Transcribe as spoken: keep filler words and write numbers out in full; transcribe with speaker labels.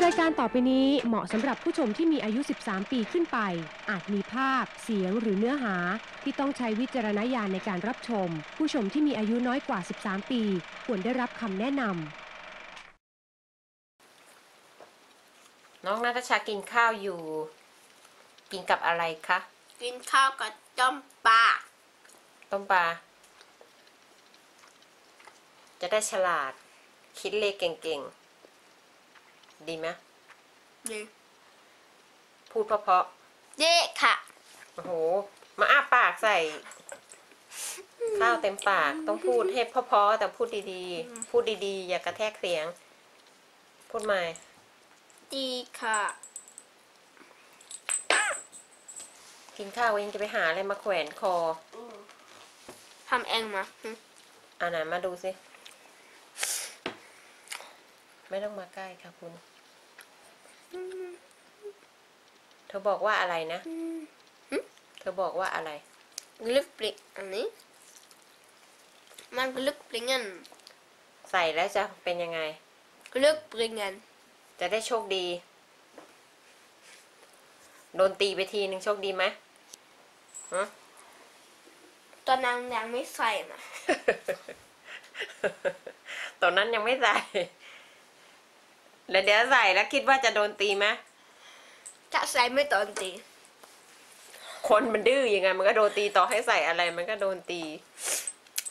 Speaker 1: รายการต่อไปนี้เหมาะสำหรับผู้ชมที่มีอายุสิบสามปีขึ้นไปอาจมีภาพเสียงหรือเนื้อหาที่ต้องใช้วิจารณญาณในการรับชมผู้ชมที่มีอายุน้อยกว่าสิบสามปีควรได้รับคำแนะน
Speaker 2: ำน้องณัฐชากินข้าวอยู่กินกับอะไรคะ
Speaker 3: กินข้าวกับต้มปลา
Speaker 2: ต้มปลาจะได้ฉลาดคิดเลขเก่งๆดีไหม
Speaker 3: ดี
Speaker 2: พูดเพราะ
Speaker 3: ๆดีค่ะ
Speaker 2: โอ้โหมาอ้าปากใส่ข้าวเต็มปากต้องพูดให้เพราะๆแต่พูดดีๆพูดดีๆอย่ากระแทกเสียงพูดใหม่
Speaker 3: ดีค่ะ
Speaker 2: กินข้าวยังจะไปหาอะไรมาแขวนคอ
Speaker 3: ทำเองมา
Speaker 2: อ่าไหนมาดูสิไม่ต้องมาใกล้ค่ะคุณเธอบอกว่าอะไรนะเธอบอกว่าอะไร
Speaker 3: กลึกปลิกอันนี้มันกลึกปลิงัน
Speaker 2: ใส่แล้วจะเป็นยังไง
Speaker 3: กลึกปลิงัน
Speaker 2: จะได้โชคดีโดนตีไปทีหนึ่งโชคดีไหมฮะ
Speaker 3: ตอนนั้นยังไม่ใส่มา
Speaker 2: ตอนนั้นยังไม่ใส่แล้วเดี๋ยวใส่แล้วคิดว่าจะโดนตีไหม
Speaker 3: ถ้าใส่ไม่ตอนตี
Speaker 2: คนมันดื้อยังไงมันก็โดนตีต่อให้ใส่อะไรมันก็โดนตี